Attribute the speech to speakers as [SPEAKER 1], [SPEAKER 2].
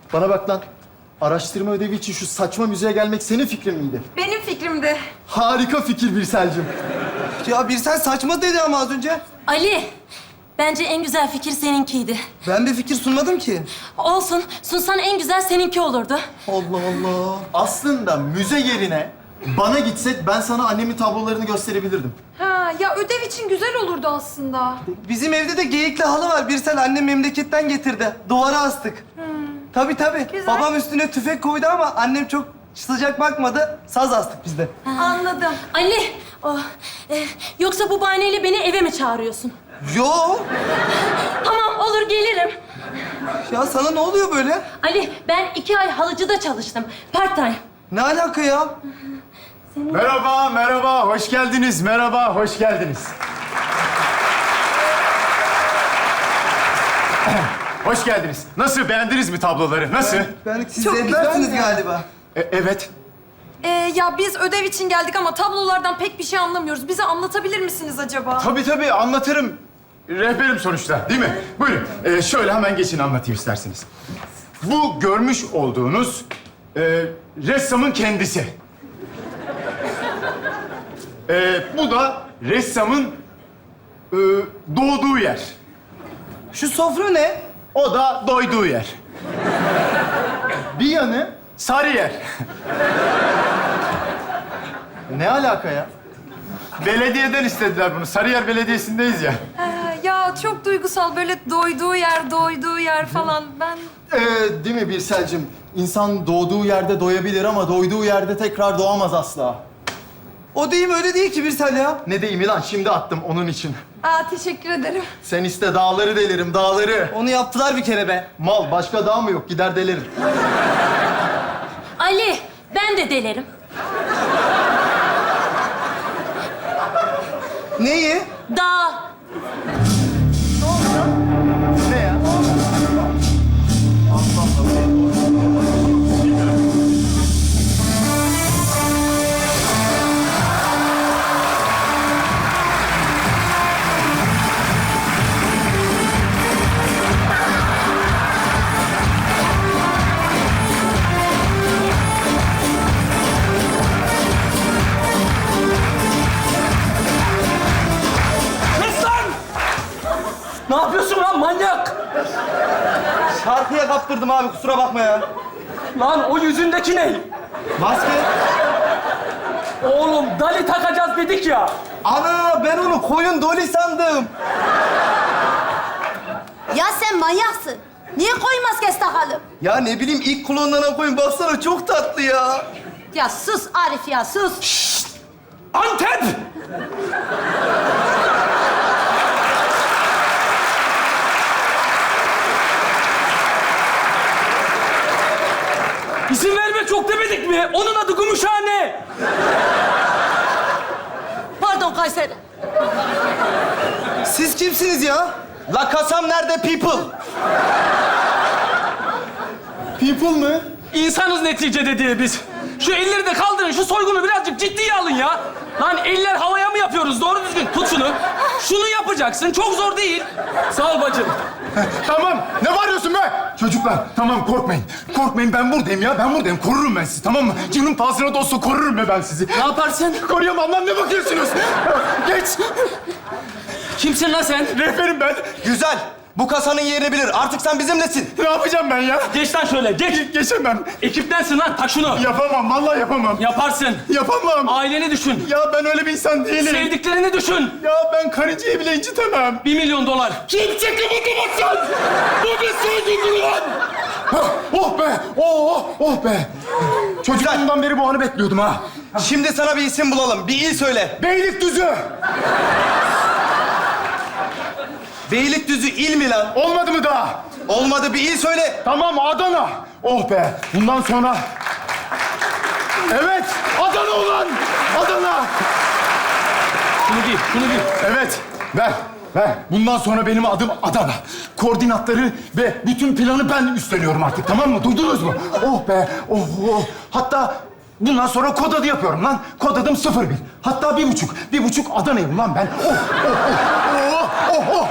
[SPEAKER 1] Bana bak lan. Araştırma ödevi için şu saçma müzeye gelmek senin fikrin miydi?
[SPEAKER 2] Benim fikrimdi.
[SPEAKER 1] Harika fikir Birsel'cim.
[SPEAKER 3] Ya bir sen saçma dedi ama az önce.
[SPEAKER 4] Ali, bence en güzel fikir seninkiydi.
[SPEAKER 3] Ben bir fikir sunmadım ki.
[SPEAKER 4] Olsun, sunsan en güzel seninki olurdu.
[SPEAKER 3] Allah Allah.
[SPEAKER 1] Aslında müze yerine bana gitsek ben sana annemin tablolarını gösterebilirdim.
[SPEAKER 2] Ha, ya ödev için güzel olurdu aslında.
[SPEAKER 3] Bizim evde de geyikli halı var. Birsel annem memleketten getirdi. Duvara astık. Tabii tabii.
[SPEAKER 2] Güzel.
[SPEAKER 3] Babam üstüne tüfek koydu ama annem çok sıcak bakmadı. Saz astık biz de.
[SPEAKER 2] Anladım.
[SPEAKER 4] Ali, yoksa bu bahaneyle beni eve mi çağırıyorsun?
[SPEAKER 3] Yo.
[SPEAKER 4] Tamam, olur gelirim.
[SPEAKER 3] Ya sana ne oluyor böyle?
[SPEAKER 4] Ali, ben 2 ay halıcıda çalıştım. Part time.
[SPEAKER 3] Ne alaka ya?
[SPEAKER 1] Merhaba, merhaba. Hoş geldiniz. Merhaba, hoş geldiniz. Hoş geldiniz. Nasıl, beğendiniz mi tabloları? Nasıl?
[SPEAKER 3] Siz
[SPEAKER 2] Çok
[SPEAKER 3] zevklersiniz
[SPEAKER 2] güzel.
[SPEAKER 3] galiba.
[SPEAKER 1] Evet.
[SPEAKER 2] Ya biz ödev için geldik ama tablolardan pek bir şey anlamıyoruz. Bize anlatabilir misiniz acaba?
[SPEAKER 1] Tabii anlatırım. Rehberim sonuçta, değil mi? Buyurun. Şöyle hemen geçin anlatayım isterseniz. Bu görmüş olduğunuz ressamın kendisi. Bu da ressamın doğduğu yer.
[SPEAKER 3] Şu sofra ne?
[SPEAKER 1] O da doyduğu yer. Bir yanı Sarıyer. Ne alaka ya? Belediyeden istediler bunu. Sarıyer Belediyesi'ndeyiz ya.
[SPEAKER 2] Ya çok duygusal, böyle doyduğu yer falan. Ben...
[SPEAKER 1] Değil mi Birsel'cim? İnsan doğduğu yerde doyabilir ama doyduğu yerde tekrar doğamaz asla.
[SPEAKER 3] O deyim öyle değil ki Birsel ya.
[SPEAKER 1] Ne deyimi lan? Şimdi attım onun için.
[SPEAKER 2] Teşekkür ederim.
[SPEAKER 1] Sen iste dağları delerim, dağları.
[SPEAKER 3] Onu yaptılar bir kere be.
[SPEAKER 1] Mal, başka dağ mı yok? Gider delerim.
[SPEAKER 4] Ali, ben de delerim.
[SPEAKER 3] Neyi?
[SPEAKER 4] Dağ.
[SPEAKER 1] Ne ya?
[SPEAKER 5] Kes lan! Ne yapıyorsun lan manyak?
[SPEAKER 3] Şarkıya kaptırdım abi kusura bakma ya.
[SPEAKER 5] Lan o yüzündeki ne?
[SPEAKER 3] Maske.
[SPEAKER 5] Oğlum dali takacağız dedik ya.
[SPEAKER 3] Ana ben onu koyun doli sandım.
[SPEAKER 6] Ya sen manyaksın. Niye koyun maskesi takalım?
[SPEAKER 3] Ya ne bileyim ilk klonlanan koyun baksana çok tatlı ya.
[SPEAKER 6] Ya sus Arif ya sus.
[SPEAKER 5] Antep! İzin verme çok demedik mi? Onun adı Gümüşhane.
[SPEAKER 6] Pardon Kayseri.
[SPEAKER 3] Siz kimsiniz ya? La kasam nerede people?
[SPEAKER 1] People mı?
[SPEAKER 5] İnsanız neticede diye biz. Şu elleri de kaldırın, şu soygunu birazcık ciddiye alın ya. Lan eller havaya mı yapıyoruz? Doğru düzgün tut şunu. Şunu yapacaksın, çok zor değil. Sağ ol bacım.
[SPEAKER 1] Tamam. Ne bağırıyorsun be? Çocuklar, tamam korkmayın. Korkmayın, ben buradayım ya. Ben buradayım. Korurum ben sizi, tamam mı? Canım pahasına da olsa korurum be ben sizi.
[SPEAKER 5] Ne yaparsın?
[SPEAKER 1] Koruyamam lan, ne bakıyorsunuz? Geç.
[SPEAKER 5] Kimsin lan sen?
[SPEAKER 1] Rehberim ben.
[SPEAKER 3] Güzel. Bu kasanın yerini bilir. Artık sen bizimlesin.
[SPEAKER 1] Ne yapacağım ben ya?
[SPEAKER 5] Geç lan şöyle, geç.
[SPEAKER 1] Geçemem.
[SPEAKER 5] Ekiptensin lan, tak şunu.
[SPEAKER 1] Yapamam, vallahi yapamam.
[SPEAKER 5] Yaparsın.
[SPEAKER 1] Yapamam.
[SPEAKER 5] Aileni düşün.
[SPEAKER 1] Ya ben öyle bir insan değilim.
[SPEAKER 5] Sevdiklerini düşün.
[SPEAKER 1] Ya ben karıncayı bile incitemem.
[SPEAKER 5] 1 milyon dolar.
[SPEAKER 1] Kimse kımıldamasın! Bu bir soygundur lan! Oh be! Oh be! Çocukluğumdan beri bu anı bekliyordum ha.
[SPEAKER 3] Şimdi sana bir isim bulalım. Bir il söyle.
[SPEAKER 1] Beylikdüzü!
[SPEAKER 3] Beylikdüzü il mi lan?
[SPEAKER 1] Olmadı mı daha?
[SPEAKER 3] Olmadı bir il söyle.
[SPEAKER 1] Tamam, Adana. Oh be! Bundan sonra... Evet! Adana ulan! Adana!
[SPEAKER 5] Şunu giy, şunu giy.
[SPEAKER 1] Evet, ver. Bundan sonra benim adım Adana. Koordinatları ve bütün planı ben üstleniyorum artık, tamam mı? Duydunuz mu? Oh be, oh. Hatta bundan sonra kod adı yapıyorum lan. Kod adım 01. Hatta 1,5. 1,5 Adana'yım lan ben. Oh.